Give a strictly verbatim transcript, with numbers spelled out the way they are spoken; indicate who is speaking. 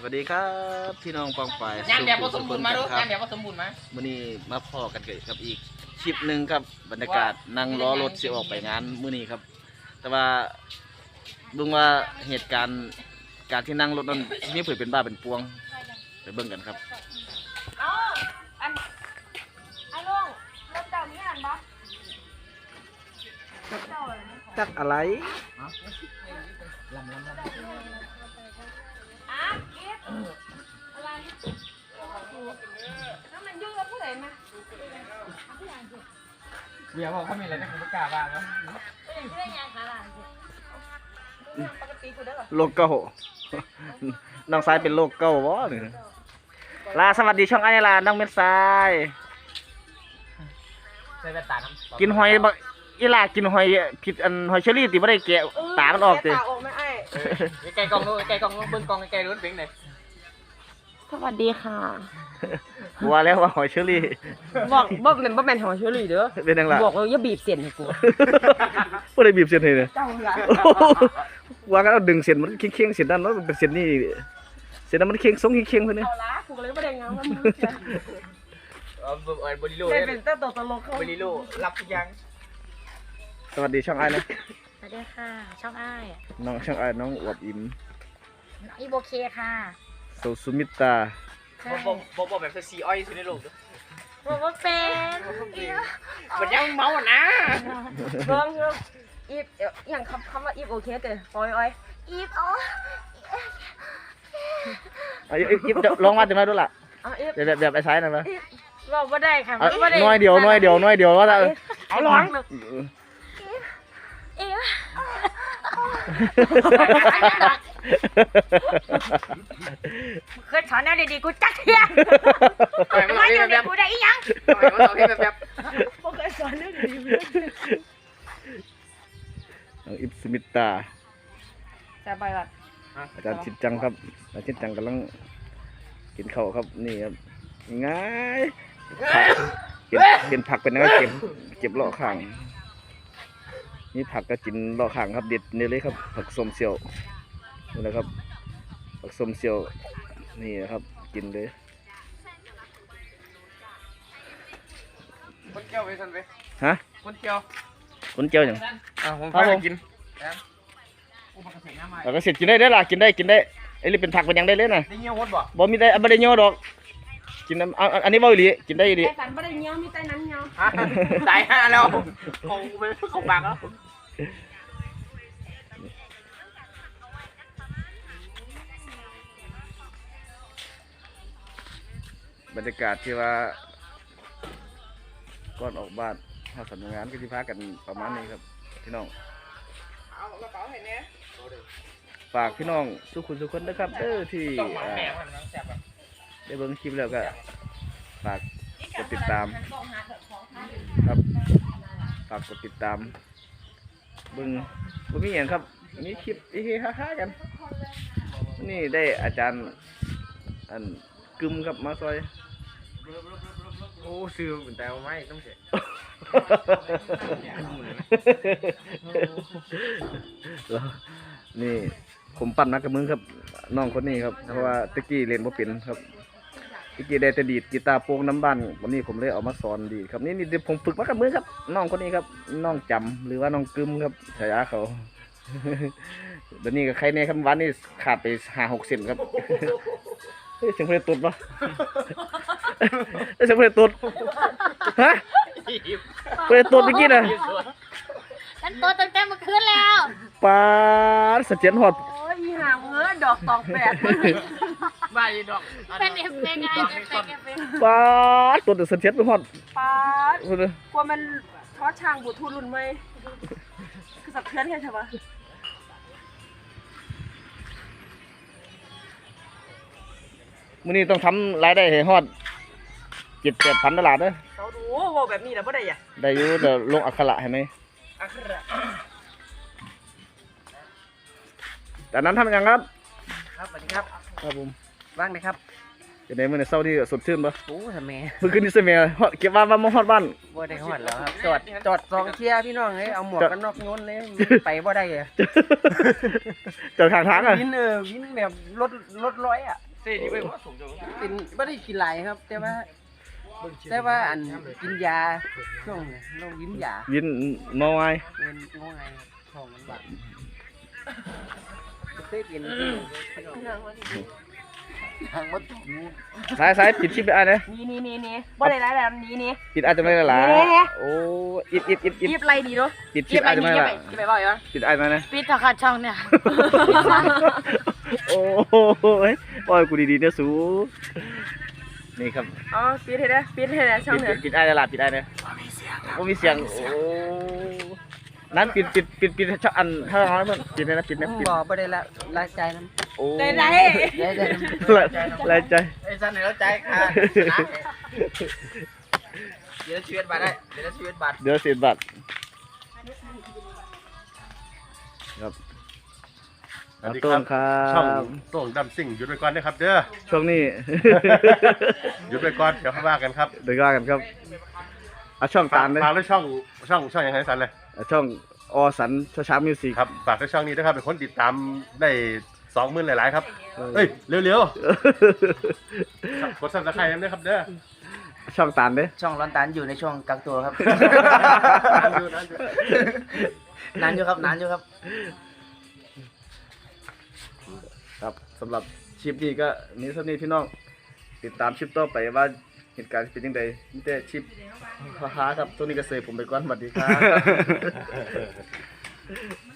Speaker 1: วัสดีครับพี่น้องปองไป
Speaker 2: งานแบบผสมบูรณ์มาดูงานแบบผสมบูรณ์มา
Speaker 1: มื้อนี้มาพอกันกับอีกคลิปหนึ่งครับบรรยากาศนั่งล้อรถสิออกไปงานมื้อนี้ครับแต่ว่าดูว่าเหตุการณ์การที่นั่งรถนั้นมีเผยเป็นบ้าเป็นปวงไปเบิ่งกันครับ
Speaker 3: อ๋ออันอันลุงรถเจ้ามีอันบ่เจ้าอะไรนะ
Speaker 1: จักอะไร
Speaker 3: อ่ะอีฟอะไรแล้วมันยุ่งกับผู้ใดมา
Speaker 2: เดี๋ยวบอกเขามีอะไรนะคุณประกาศบ้างนะ
Speaker 3: ผู้ใดผู้ใดยังหาหลานสิปกติกูได้หรอ
Speaker 1: โลโก้น้องสายเป็นโลโก้บ่นี่ลาสวัสดีช่องไอ้ลาน้องเม็ดทราย
Speaker 2: ใส่แว่นตาน้ำ
Speaker 1: กินหอยบ่อีลากินหอยผิดอันหอยเชอรี่ติบ่ได้แกะตามันออกติ
Speaker 3: ตาออกไม่ไอ้
Speaker 2: ไกลกล้องนู้นไกลกล้องนู้นเบิ้งกล้องไกลนู้นเบิ้งเลย
Speaker 3: สวัสดีค่ะ
Speaker 1: กลัวแล้วว่าหอยเชอรี่
Speaker 3: บอกบอกเป็นบ่แม่นหอเชอรี่เด้อ
Speaker 1: เป็นจังล่ะ
Speaker 3: บอกว่าอย่าบีบเส้นให้กู
Speaker 1: บ่ได้บีบเส้นให้เลย
Speaker 3: เจ้าล่ะ
Speaker 1: ว่ากันเอาดึงเส้นมันเคียงๆเส้นนั้นมันเป็นเส้นนี่เส้นนั้นมันเคียงทรงเคียงๆพุ่นนี่
Speaker 3: เอาละกูก็เลยบ่ได้งามว่ามึงจะ
Speaker 2: เออเออบริโล
Speaker 3: ได้เป็นตัวตลกเขา
Speaker 2: บริโลรับทุกอย่าง
Speaker 1: สวัสดีช่องอ้ายนะ
Speaker 4: สวัสดีค่ะ ช่องอ้าย
Speaker 1: น้องช่องอ้ายน้องอวบอิ่ม
Speaker 4: อีโบเคค่ะ
Speaker 1: โซซุมิตา
Speaker 2: บอกบอกบอกบอกแบบซีอ้อยสุดในโลก
Speaker 4: บอกว่าเป็น
Speaker 2: มันยังเมาอ่ะนะ
Speaker 3: เบิ่งเบิ่งอีฟอหย่างคำคำว่าอีฟโอเคเด้อปอยอ้อย
Speaker 4: อีฟอ๋อ
Speaker 1: เอาอีอีเดี๋ยวลองมาจังได๋ดูล่ะ
Speaker 3: เอาอีฟ
Speaker 1: เดี๋ยวแบบแบบไอ้สายนั่นมา
Speaker 4: บอกว่าได้ค่ะ
Speaker 1: เอา
Speaker 4: ว่าได้
Speaker 1: น้อยเดียวน้อยเดียวน้อยเดียวว่าจะ
Speaker 3: เอาหลอง
Speaker 4: อีฟเคยสอนแนวดีๆกูจักเทีย
Speaker 2: ปล่อยมัน
Speaker 4: มา
Speaker 2: เอา
Speaker 4: อยู่
Speaker 2: แบ
Speaker 4: ใน
Speaker 2: บ
Speaker 4: กูได้อีหยัง
Speaker 2: ปล่อยมันเอาแบบแบบ
Speaker 3: บ่เคยสอนเรื่องดีเลย
Speaker 1: น้องอิบซุมิตา
Speaker 3: จะไปละ
Speaker 1: อาจารย์ชิดจังครับอาจารย์ชิดจังกำลังกินข้าวครับนี่ครับง่ายผักเก็บเก็บผักเป็นยังไงเก็บเก็บเลาะข้างนี่ผักก็กินเลาะข้างครับเด็ดนี่เลยครับผักส้มเสียวนี่นะครับผักส้มเสียวนี่นะครับกินเลย
Speaker 2: คนเกี่ยวไปสันไป
Speaker 1: ฮะ
Speaker 2: คนเกี่ยว
Speaker 1: คนเจียวอย่าง
Speaker 2: อ่ะผมพาไปกินอุปกรณ์ใส่น้ำใหม่
Speaker 1: เราก็เสร็จกินได้ได้อล่ะกินได้กินได้ไอ้นี่เป็นผักเป็นหยังได้เลยนะ
Speaker 2: ได้เงี้ยวหดบ่
Speaker 1: บ่มีได้บ่ได้เยอะดอกกินน้ำอันอันนี้บ่อีหลีกินได้อีหลี
Speaker 3: ไอ้สันบ่ได้เงี้ยวมีแต่นั้นเงี้ยว
Speaker 2: ฮะตายห่าแล้วคงไปเข้าปากแล้ว
Speaker 1: บรรยากาศที่ว่าก่อนออกบ้านถ้าสำนักงานก็ที่พักกันประมาณนี้ครับพี่น้อง
Speaker 2: เอากระเป๋าเห็นไหม
Speaker 1: ฝากพี่น้องทุกคนทุกคนนะครับเด้อที่
Speaker 2: ต้องหวาน
Speaker 1: อ่า
Speaker 2: แม่มันนะแซ่บแบบ
Speaker 1: ได้เบิ่งคลิปแล้วก็ฝากกดติดตามครับฝากกดติดตามเบิ่งบ่มีหยังครับมีคลิปเฮ้ๆฮ่าๆกันนี่ได้อาจารย์อันกึมครับมาซอย
Speaker 2: โอ้ซื้อเป็นแต่ไม่ต้องเสีย
Speaker 1: แล้วนี่ผมปั่นนักกับมึงครับน้องคนนี้ครับเพราะว่าตะกี้เล่นบ่เป็นครับตะกี้ได้แต่ดีดกีตาร์โปร่งน้ำบ้านวันนี้ผมเลยเอามาสอนดีดครับนี่นี่เดี๋ยวผมฝึกมากับมือครับน้องคนนี้ครับน้องจำหรือว่าน้องกึมครับฉายาเขา เดี๋ยวนี้ก็ใครในคำวันนี้ขาดไปห้าหกเซนครับ เฮ้ยเสียงเพลงตุดปะ เฮ้ยเสียงเพลงตุดฮะเพลงตุดเมื่อกี้น่ะ
Speaker 4: ฉันโตตั้งแต่เมื่อคืนแล้ว
Speaker 1: ปาดสะเจียนหอด
Speaker 3: โอ้ยอีห่าเงื้อดอกตองแปด
Speaker 2: ใบดอก
Speaker 4: เป็นเอฟเฟกต์ไงเอฟเฟกต์เอฟเฟกต์
Speaker 1: ปาดตัวแต่สะเจียนไปหอด
Speaker 3: ปาด
Speaker 1: พูดเลย
Speaker 3: กลัวมันทอดช่างบูทูรุ่นไหมคือสับเทือนแค่ใช่ปะ
Speaker 1: มื้อนี้ต้องทำรายได้ให้ฮอดเจ็ดแปดพันตลาดเด้อ
Speaker 3: เขาดูว่าแบบนี้แล้วบ่ได้อ่ะ
Speaker 1: ได้อยู่เดี๋ยวลงอักขระให้ไหม
Speaker 3: อักขระ
Speaker 1: แต่นั้นทำยังครับ
Speaker 2: ครับสวัสดีครับ
Speaker 1: ครับผม
Speaker 2: ว่างไหมครับ
Speaker 1: จะได้มื้อนี้เช้านี้สดชื่นปะ
Speaker 2: โอ้ทำไม
Speaker 1: เมื่อคืนนี้เสมียฮอดเก็บว่าว่ามาฮอดบ้าน
Speaker 2: บ่ได้หอดแล้วครับจอดจอดสองเที่ยพี่น้องเลยเอาหมวกกันน็อกโยนเลยไปบ่ได้อะ
Speaker 1: จอดข้างทางอ่ะ
Speaker 2: วินเออวินแบบรถรถร้อยอ่ะเส้นนี่ไปว่าส่งเป็นไม่ได้กินหลายครับ แต่ว่าแต่ว่าอันกินยาช่วงนี้เรากินยา
Speaker 1: ยินมอไง
Speaker 2: เป็นงงไงท้องมันบาดเคยกินทางวัด
Speaker 1: สายสายปิดชิปไปอ่ะเนี่ย
Speaker 4: นี่นี่นี่นี่บ่ได้หลายแบบนี้นี่
Speaker 1: ปิดอาจจะไม่ได้หลาย
Speaker 4: นี่
Speaker 1: โอ้อิดอิดอิดอิด
Speaker 4: ยิบไรดีเนาะ
Speaker 1: ปิดชิ
Speaker 4: ยิ
Speaker 1: ป
Speaker 4: บไป
Speaker 1: อาจจะ
Speaker 4: นี่
Speaker 1: ไม่
Speaker 4: ยิบ
Speaker 1: ได้
Speaker 4: ไปยิบไปบ่อยเหรอ
Speaker 1: ปิดอาจจะนะ
Speaker 4: ปิดถ้าขาดช่องเนี่ย
Speaker 1: โอ้โหปล่อยกูดีๆเนี่ยสูนี่ครับ
Speaker 4: อ๋อปิดให้ได้ปิดให้ได้ช่อง
Speaker 1: ปิด
Speaker 4: เนี่ย
Speaker 1: ปิดไอ้ตลาดปิดไอ้เนี่ยโอ้มีเสียงโอ้นั้นปิดปิดปิดปิดช่องอันถ้าเราเพื่อนปิดเลยนะปิดนะปิด
Speaker 2: บ่บ่ได้ละละใจน้ำ
Speaker 1: โอ้
Speaker 4: ได้ได้
Speaker 2: ได้ได้
Speaker 1: ลายใจ
Speaker 2: ไอ้สันไหนละใจค่ะเดี๋ยวชีวิตบาทได้เดี๋ยวชีวิตบาท
Speaker 1: เดี๋ยวเสียบัตรครับ
Speaker 5: สวัสดี
Speaker 1: ต้
Speaker 5: ครั
Speaker 1: น
Speaker 5: บ
Speaker 1: ครั
Speaker 5: ช่อง
Speaker 1: บ
Speaker 5: โต่งดำซิ่งหยุดไปก่อนนะครับเด้อ
Speaker 1: ช่วงนี้
Speaker 5: หยุดไปก่อนเดี๋ยวค่อยว่ากันครับ
Speaker 1: เดี๋ยวว่ากันครับเอาช่อง
Speaker 5: ฝา
Speaker 1: ตาก มเลย
Speaker 5: ฝากด้วยช่องช่องช่องยังไงสันเลย
Speaker 1: เอาช่องอสันช้าช้ามิวสิก
Speaker 5: ครับฝากด้วยช่องนี้นะครับเป็นคนติดตามได้สองหมื่นหลายๆครับเฮ้ยเร็วๆกดซับสไครต์ด้วยครับเด้อ
Speaker 1: ช่องตามเด้
Speaker 2: ช่องร้อนตันอยู่ในช่วงกักตัวครับ
Speaker 5: นานอยู่นานอยู่
Speaker 2: นานอยู่ครับนานอยู่ครับ
Speaker 1: ครับสำหรับชิปนี้ก็นี้เท่านี้พี่น้องติดตามชิปต่อไปว่าเหตุการณ์เป็นยังไงมีแต่ชิปฮ่าๆครับตัวนี้ก็เสยผมไปก่อนสวัสดีครับ